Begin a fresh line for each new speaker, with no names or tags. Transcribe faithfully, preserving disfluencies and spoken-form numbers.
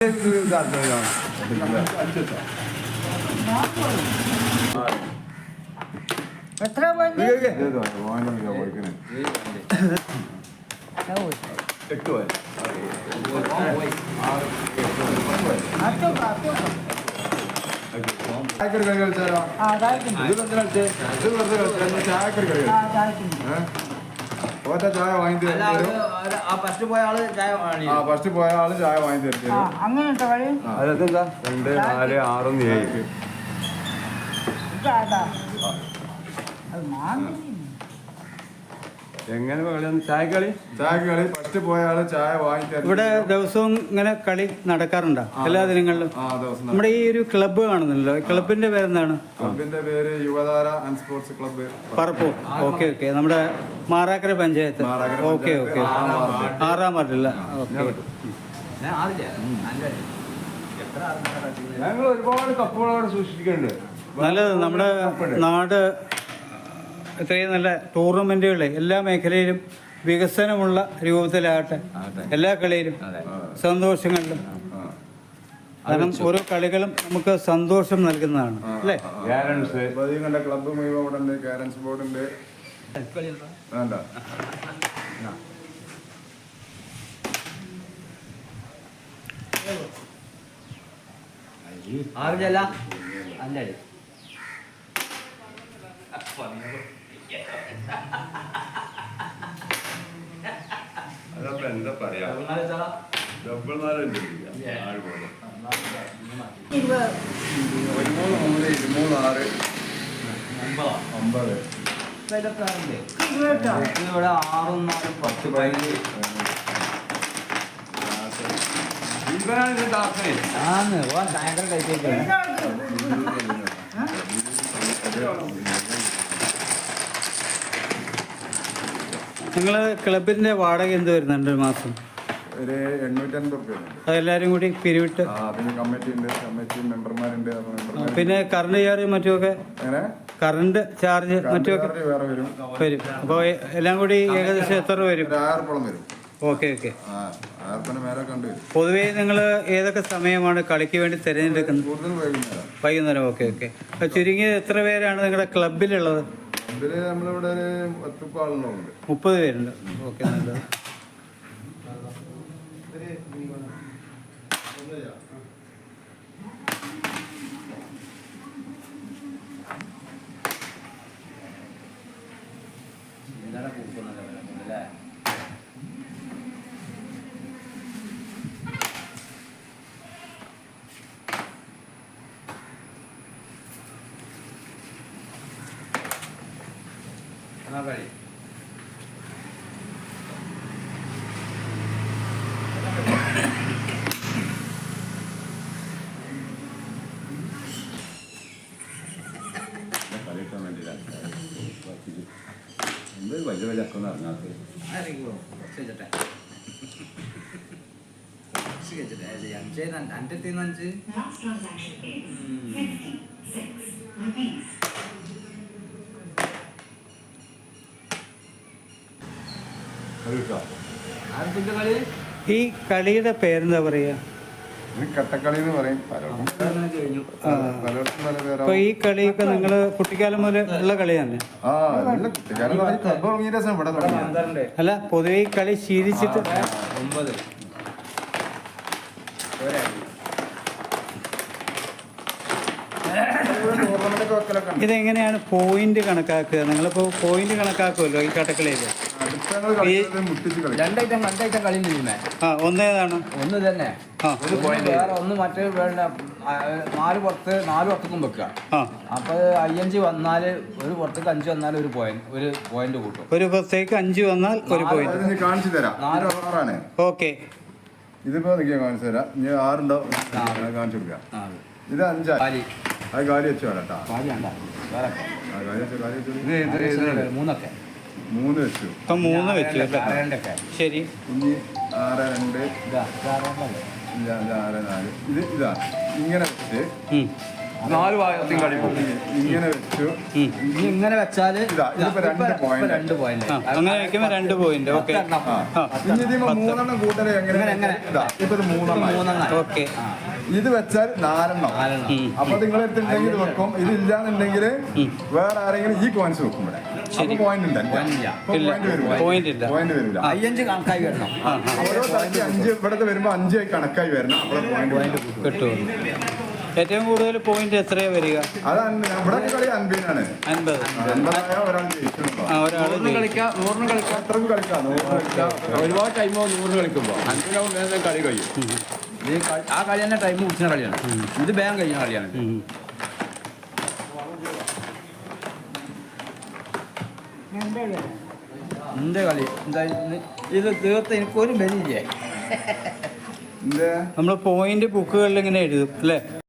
എത്ര
ചായക്കറി കറി കളിച്ചാലോ? ഒറ്റ ചായ വാങ്ങി തരും.
ഫസ്റ്റ് പോയ ആള് ചായ
ആ ഫസ്റ്റ് പോയ ആള് ചായ വാങ്ങി തരും.
അങ്ങനെ
അതെന്താ രണ്ട് നാല് ആറൊന്ന് ഏഴ് എങ്ങനെ കളിയാണ്? ചായക്കളി ചായക്കളി ഫസ്റ്റ് പോയ ആള് ചായ വാങ്ങി തരും.
ഇവിടെ ദിവസവും ഇങ്ങനെ കളി നടക്കാറുണ്ടോ എല്ലാ ദിനങ്ങളിലും? നമ്മുടെ ഈ ഒരു ക്ലബ്ബ് കാണുന്നല്ലോ, ക്ലബിന്റെ പേരെന്താണ്?
ക്ലബിന്റെ പേര് Yuvathara and sports club Parappur.
Okay okay, നമ്മുടെ മാറാക്കര പഞ്ചായത്ത്. ഓക്കെ ഓക്കെ, ആറാം വാർഡില്ല. ഓക്കെ,
ഞങ്ങൾ ഒരുപാട് കപ്പുകളോട് സൂക്ഷിക്കുന്നുണ്ട്.
നല്ലത്. നമ്മുടെ നാട് ഇത്രയും നല്ല ടൂർണമെന്റുകളെ എല്ലാ മേഖലയിലും വികസനമുള്ള രൂപത്തിലാകട്ടെ, എല്ലാ കളിയിലും സന്തോഷങ്ങളിലും. കാരണം ഓരോ കളികളും നമുക്ക് സന്തോഷം നൽകുന്നതാണ് അല്ലേ?
കണ്ട ക്ലബ്ബ് മുഴുവൻ ഇവിടെ ഉണ്ട്. ക്യാരംസ് ബോർഡ് ഉണ്ട്. വേണ്ട
ആറില്ല അഞ്ചടി
അതപ്പോ എന്താ പറയാ, ഡബിൾ നാലുണ്ട്. പതിമൂന്ന് മൂന്ന് ഇരുമൂന്ന് ആറ് ഒമ്പത്
ഇവിടെ ആറും നാലും പത്ത് പതിനഞ്ച് ആന്ന് ഓൻ ഭയങ്കര കഴിച്ചേക്കാണ്.
നിങ്ങൾ ക്ലബിന്റെ വാടക എന്ത് വരുന്നുണ്ട് ഒരു മാസം?
ഒരു എണ്ണൂറ്റി അൻപത് രൂപ.
അതെല്ലാവരും കൂടി പിരിവിട്ട്?
പിന്നെ കമ്മിറ്റി ഉണ്ട്, കമ്മിറ്റി മെമ്പർമാരുണ്ട്.
പിന്നെ കറണ്ട് ചാർജ് മറ്റുമൊക്കെ? കറണ്ട് ചാർജ് മറ്റുമൊക്കെ
വേറെ വരും
വരും. അപ്പോൾ എല്ലാം കൂടി ഏകദേശം എത്ര വരും?
ആയിരപ്പോളം വരും.
Okay okay.
മേലെ കണ്ടുവരും.
പൊതുവേ നിങ്ങൾ ഏതൊക്കെ സമയമാണ് കളിക്ക് വേണ്ടി തിരഞ്ഞെടുക്കുന്നത്?
കൂടുതൽ വൈകുന്നേരം.
വൈകുന്നേരം. Okay okay. ചുരുങ്ങിയത് എത്ര പേരാണ് നിങ്ങളുടെ ക്ലബിലുള്ളത്?
ക്ലബിൽ നമ്മളിവിടെ ഒരു പത്ത് ആളുകളുണ്ട്.
മുപ്പത് പേരുണ്ട്. ഓക്കെ, നല്ലത്.
കളി
കളിക്കാൻ വേണ്ടിയില്ല. എന്തൊരു വലിയ വലിയ അക്കൊന്നും ഇറങ്ങാത്ത
അഞ്ച് അഞ്ച്
ഈ കളിയുടെ പേരെന്താ പറയാ?
കട്ടക്കളി എന്ന് പറയും.
അപ്പൊ ഈ കളിയൊക്കെ നിങ്ങള് കുട്ടിക്കാലം മുതൽ ഉള്ള കളി തന്നെ? അല്ല, പൊതുവെ ഈ കളി ശീലിച്ചിട്ട്
ഒമ്പത്
ഇതെങ്ങനെയാണ് പോയിന്റ് കണക്കാക്കുക? നിങ്ങളിപ്പോ പോയിന്റ് കണക്കാക്കുമല്ലോ ഈ കട്ടക്കളിയിൽ.
രണ്ടൈറ്റം രണ്ടൈറ്റം കളി ചെയ്യുന്നേ.
ആ, ഒന്നേതാണ്?
ഒന്ന് തന്നെ. ഒരു പോയിന്റ് വേറെ ഒന്ന് മറ്റേ വേണ്ട. നാല് പുറത്ത് നാല് പുറത്തേക്കും വെക്കുക. അപ്പൊ അയ്യഞ്ച് വന്നാല് ഒരു പുറത്തേക്ക് അഞ്ച് വന്നാൽ ഒരു പോയിന്റ് ഒരു പോയിന്റ് കൂട്ടും.
ഒരു പുറത്തേക്ക് അഞ്ച് വന്നാൽ ഒരു പോയിന്റ്.
കാണിച്ചു തരാം. നാല് ആറാണ്.
ഓക്കെ,
ഇതിപ്പോ കാണിച്ചു തരാം. ഇനി ആറുണ്ടാവും, കാണിച്ചു കൊടുക്കാം. ഇത് അഞ്ചാ. അത് കാലി വെച്ചു വേണട്ടാ.
മൂന്നൊക്കെ
മൂന്ന് വെച്ചു.
ഇപ്പൊ മൂന്ന് വെച്ചു. ശരി.
ഇനി ആറ് രണ്ട് ആറ് നാല്. ഇത് ഇതാ ഇങ്ങനെ വെച്ച് നാല് ഭാഗത്തും കളി പോകും. ഇങ്ങനെ വെച്ച് വെച്ചു.
ഇനി ഇങ്ങനെ വെച്ചാല്
ഇതാ, ഇതിപ്പോ രണ്ട്
ഇപ്പൊ
point.
രണ്ട് പോയിന്റ്
ആ, അങ്ങനെ വയ്ക്കുമ്പോൾ രണ്ട് പോയിന്റ്. ഓക്കെ.
ഇനി ഇതിന് മൂന്നെണ്ണം കൂട്ടല് എങ്ങനെ
എങ്ങനെ?
ഇതാ ഇപ്പൊ ഇത് മൂന്നെണ്ണം
മൂന്നെണ്ണം.
ഓക്കെ.
ഇത് വെച്ചാൽ നാലെണ്ണം. അപ്പൊ നിങ്ങൾ എടുത്തിട്ടുണ്ടെങ്കിൽ ഇത് വെക്കും. ഇത് ഇല്ലാന്നുണ്ടെങ്കിൽ വേറെ ആരെങ്കിലും ഈ കോയിൻസ് വെക്കും ഇവിടെ. അപ്പൊ പോയിന്റ് ഉണ്ട്
പോയിന്റ് ഇല്ല.
പോയിന്റ് വരില്ല.
അയ്യഞ്ച് കണക്കായി വരണം.
ഓരോ തലയ്ക്ക് അഞ്ച് ഇവിടത്തെ വരുമ്പോ അഞ്ചായി കണക്കായി വരണം. അപ്പോൾ പോയിന്റ്
കിട്ടും. ഏറ്റവും കൂടുതൽ പോയിന്റ് എത്രയാ വരിക?
അതാണ് ഇവിടെ കളി അൻപതിനാണ്.
അൻപത്.
എന്താ ഒരാൾ ജയിച്ചിട്ടുണ്ടോ?
ആ, ഒരാൾ
കളിക്കാം, നൂറിന് കളിക്കാം,
അത്രക്കും കളിക്കാം. നൂറ് കളിക്കാം.
ഒരുപാട് ടൈമോ നൂറ് കളിക്കുമ്പോൾ അഞ്ചിനാവും കളി കഴിയും.
ഇത് കളി- ആ കളി തന്നെ ടൈം കുടിച്ച കളിയാണ്. ഇത് വേഗം കഴിയുന്ന കളിയാണ്. എന്റെ കളി എന്താ ഇന്ന് ഇത് തീർത്ത് എനിക്കൊരു ബലിയില്ലേ.
എന്തേ
നമ്മൾ പോയിന്റ് ബുക്കുകളിൽ ഇങ്ങനെ എഴുതും അല്ലേ?